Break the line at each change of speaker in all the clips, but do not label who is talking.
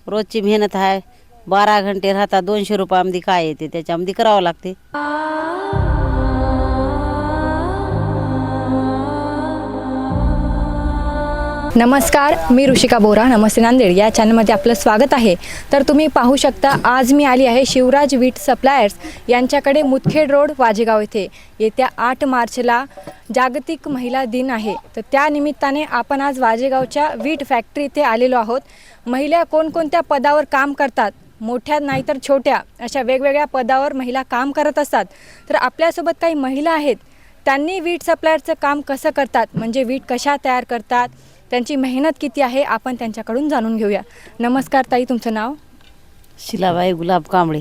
रोजची मेहनत आहे. 12 घंटे राहतात. 200 रुपयामध्ये काय येते त्याच्यामध्ये करावं लागते.
नमस्कार, मी ऋषिका बोरा. नमस्ते नांदेड या चॅनलमध्ये आपलं स्वागत आहे. तर तुम्ही पाहू शकता आज मी आली आहे शिवराज वीट सप्लायर्स यांच्याकडे मुदखेड रोड वाजेगाव येथे. येत्या 8 मार्चला जागतिक महिला दिन आहे. तर त्या निमित्ताने आपण आज वाजेगावच्या वीट फॅक्टरी इथे आलेलो आहोत. महिला कोणकोणत्या पदावर काम करतात, मोठ्या नाहीतर छोट्या, अशा वेगवेगळ्या पदावर महिला काम करत असतात. तर आपल्यासोबत काही महिला आहेत. त्यांनी वीट सप्लायरचं काम कसं करतात, म्हणजे वीट कशा तयार करतात, त्यांची मेहनत किती आहे, आपण त्यांच्याकडून जाणून घेऊया. नमस्कार ताई, तुमचं नाव?
शिलाबाई गुलाब कांबळे.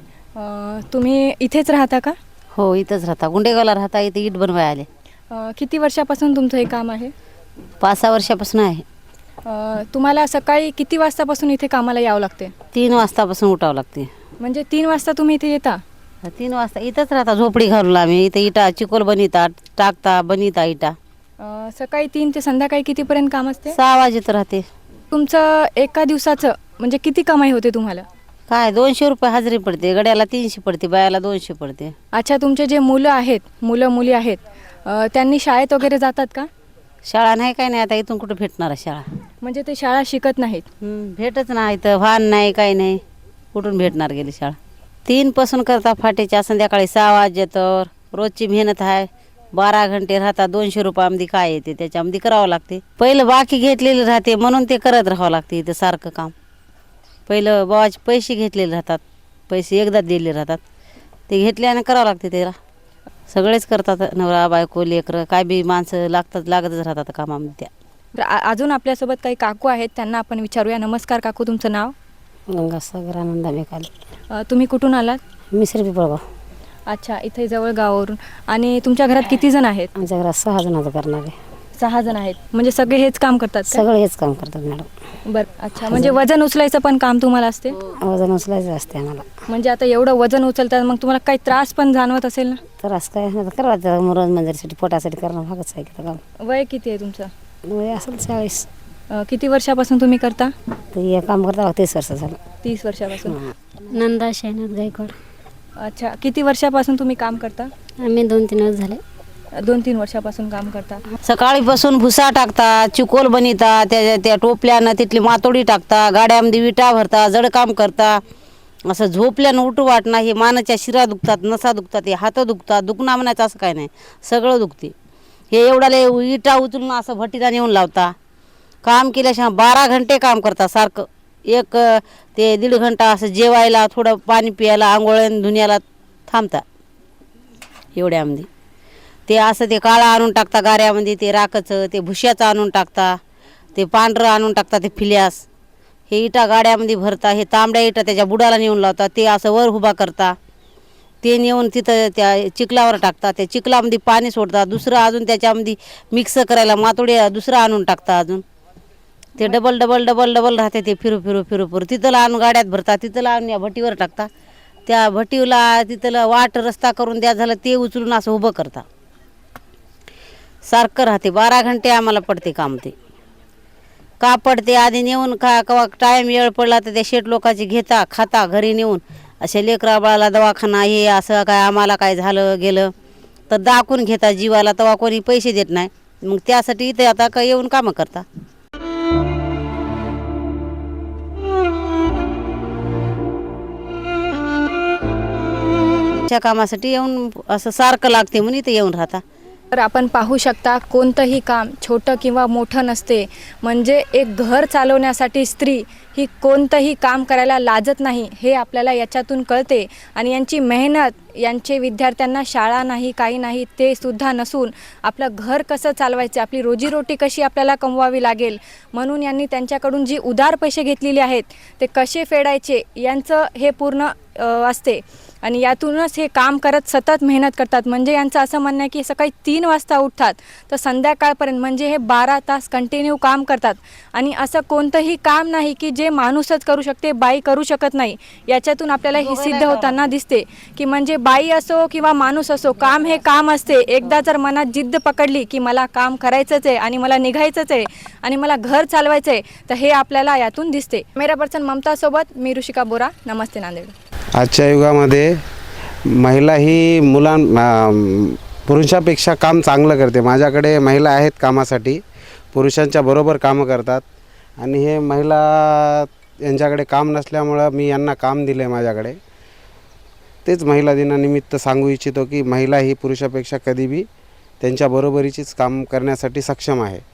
तुम्ही इथेच राहता का?
हो, इथंच राहता. गुंडेगावला राहता. इथे इट बनवाय आले.
किती वर्षापासून तुमचं हे काम आहे?
5-6 वर्षापासून आहे.
तुम्हाला सकाळी किती वाजतापासून इथे कामाला यावं लागते?
3 वाजतापासून उठावं लागते.
म्हणजे 3 वाजता तुम्ही इथे येता?
3 वाजता इथंच राहता. झोपडी घालून आम्ही इथं इटा चिकोल बनितात, टाकता, बनिता इटा.
सकाळी 3 ते संध्याकाळी कितीपर्यंत काम असते?
6 वाजेत राहते.
तुमचं एका दिवसाचं म्हणजे किती कमाई होते तुम्हाला?
काय 200 रुपये हजेरी पडते. गड्याला 300 पडते, बायाला 200 पडते.
अच्छा, तुमचे जे मुलं मुली आहेत त्यांनी शाळेत वगैरे जातात का?
शाळा नाही, काय नाही. आता इथून कुठं भेटणार आहे शाळा?
म्हणजे ते शाळा शिकत नाहीत?
भेटच नाही. तर वाहन नाही, काही नाही. कुठून भेटणार गेली शाळा? 3 पासून करता फाटेच्या, संध्याकाळी 6 वाजेतर. रोजची मेहनत आहे. 12 घंटे राहतात. 200 रुपयामध्ये काय येते त्याच्यामध्ये करावं लागते. पहिलं बाकी घेतलेली राहते म्हणून ते करत राहावं लागते. इथं सारखं काम पहिलं बाबाचे पैसे घेतलेले राहतात. पैसे एकदा दिलेले राहतात. ते घेतल्याने करावं लागते. त्याला सगळेच करतात. नवरा बायको लेकरं काय बी माणसं लागतच राहतात कामामध्ये त्या.
तर अजून आपल्यासोबत काही काकू आहेत, त्यांना आपण विचारूया. नमस्कार काकू, तुमचं नाव?
गंगासागर आनंद मेकाले.
तुम्ही कुठून आलात?
मिसरी पिपळगाव.
अच्छा, इथे जवळ गावावरून. आणि तुमच्या घरात किती जण आहेत?
आमच्या घरात 6 जणांचं करणार आहे.
6 जण आहेत. म्हणजे सगळे हेच काम करतात का?
सगळे हेच काम करतात मॅडम.
बरं. अच्छा, म्हणजे वजन उचलायचं पण काम तुम्हाला असते?
वजन उचलायचं असते आम्हाला.
म्हणजे आता एवढं वजन उचलतात, मग तुम्हाला काही त्रास पण जाणवत असेल ना?
त्रास काय करायचं, रोज मंदिरसाठी पोटासाठी करणं भागच आहे की काम.
वय किती आहे तुमचं?
वय असेल 40.
किती वर्षापासून तुम्ही करता?
तर हे काम करता 30 वर्ष झालं.
30 वर्षापासून.
नंदा शैनाथ गायकवाड.
अच्छा, किती वर्षापासून तुम्ही काम करता?
आम्ही 2-3 वर्ष झाले.
2-3 वर्षापासून काम करता.
सकाळीपासून भुसा टाकता, चिकोल बनिता, त्या टोपल्यानं तिथली मातोडी टाकता, गाड्यामध्ये विटा भरता, जड काम करता. असं झोपल्यानं उठू वाटणं. हे मानाच्या शिरा दुखतात, नसा दुखतात, हे हात दुखतात. दुखणं म्हणायचं असं काय नाही, सगळं दुखते. हे एवढ्याला विटा उचलून असं भट्टीला नेऊन लावता. काम केल्याशिवाय 12 घंटे काम करता सारखं. 1 ते 1.5 घंटा असं जेवायला, थोडं पाणी प्यायला, आंघोळण धुण्याला थांबता. एवढ्यामध्ये ते असं ते काळा आणून टाकता गाऱ्यामध्ये, ते राखचं, ते भुश्याचं आणून टाकता, ते पांढरं आणून टाकता, ते फिल्यास. हे इटा गाड्यामध्ये भरता. हे तांबड्या इटा त्याच्या बुडाला नेऊन लावता. ते असं वर उभा करता. ते नेऊन तिथं त्या चिखलावर टाकता. त्या चिखलामध्ये पाणी सोडता. दुसरं अजून त्याच्यामध्ये मिक्स करायला मातोडी दुसरं आणून टाकता. अजून ते डबल राहते. ते फिरू तिथं आणून गाड्यात भरता. तिथं आणून या भट्टीवर टाकता. त्या भट्टीला तिथलं वाट रस्ता करून द्या झालं, ते उचलून असं उभं करता. सारखं राहते. 12 घंटे आम्हाला पडते काम. ते का पडते आधी नेऊन कवा टाईम वेळ पडला तर त्या शेठ लोकांची घेता, खाता घरी नेऊन. असे लेकरा बाळाला दवाखाना हे असं काय आम्हाला काय झालं गेलं तर दाखवून घेता जीवाला. तेव्हा कोणी पैसे देत नाही. मग त्यासाठी इथे आता काय येऊन कामं करता. त्या कामासाठी येऊन असं सारखं लागते म्हणून इथे येऊन राहता.
तर आपण पाहू शकता, कोणतंही काम छोटं किंवा मोठं नसते. म्हणजे एक घर चालवण्यासाठी स्त्री ही कोणतंही काम करायला लाजत नाही, हे आपल्याला याच्यातून कळते. आणि यांची मेहनत, यांचे विद्यार्थ्यांना शाळा नाही, काही नाही, ते सुद्धा नसून आपलं घर कसं चालवायचं, आपली रोजीरोटी कशी आपल्याला कमवावी लागेल, म्हणून यांनी त्यांच्याकडून जी उधार पैसे घेतलेले आहेत ते कसे फेडायचे यांचं हे पूर्ण असते. आणि यातूनच हे काम करत सतत मेहनत करतात. म्हणजे यांचं असं म्हणणं आहे की सकाळी 3 वाजता उठतात तर संध्याकाळपर्यंत म्हणजे हे 12 तास कंटिन्यू काम करतात. आणि असं कोणतंही काम नाही की जे माणूसच करू शकते, बाई करू शकत नाही. याच्यातून आपल्याला हे सिद्ध होताना दिसते की म्हणजे बाई असो किंवा माणूस असो, काम हे काम असते. एकदा जर मनात जिद्द पकडली की मला काम करायचंच आहे आणि मला निघायचंच आहे आणि मला घर चालवायचं आहे, तर हे आपल्याला यातून दिसते. कॅमेरा पर्सन ममतासोबत मी ऋषिका बोरा. नमस्ते नांदेड.
आजच्या युगामध्ये महिला ही पुरुषापेक्षा काम चांगलं करते. माझ्याकडे महिला आहेत कामासाठी, पुरुषांच्या बरोबर कामं करतात. आणि हे महिला यांच्याकडे काम नसल्यामुळं मी यांना काम दिलं आहे माझ्याकडे. तेच महिला दिनानिमित्त सांगू इच्छितो की महिला ही पुरुषापेक्षा कधी बी त्यांच्या बरोबरीचीच काम करण्यासाठी सक्षम आहे.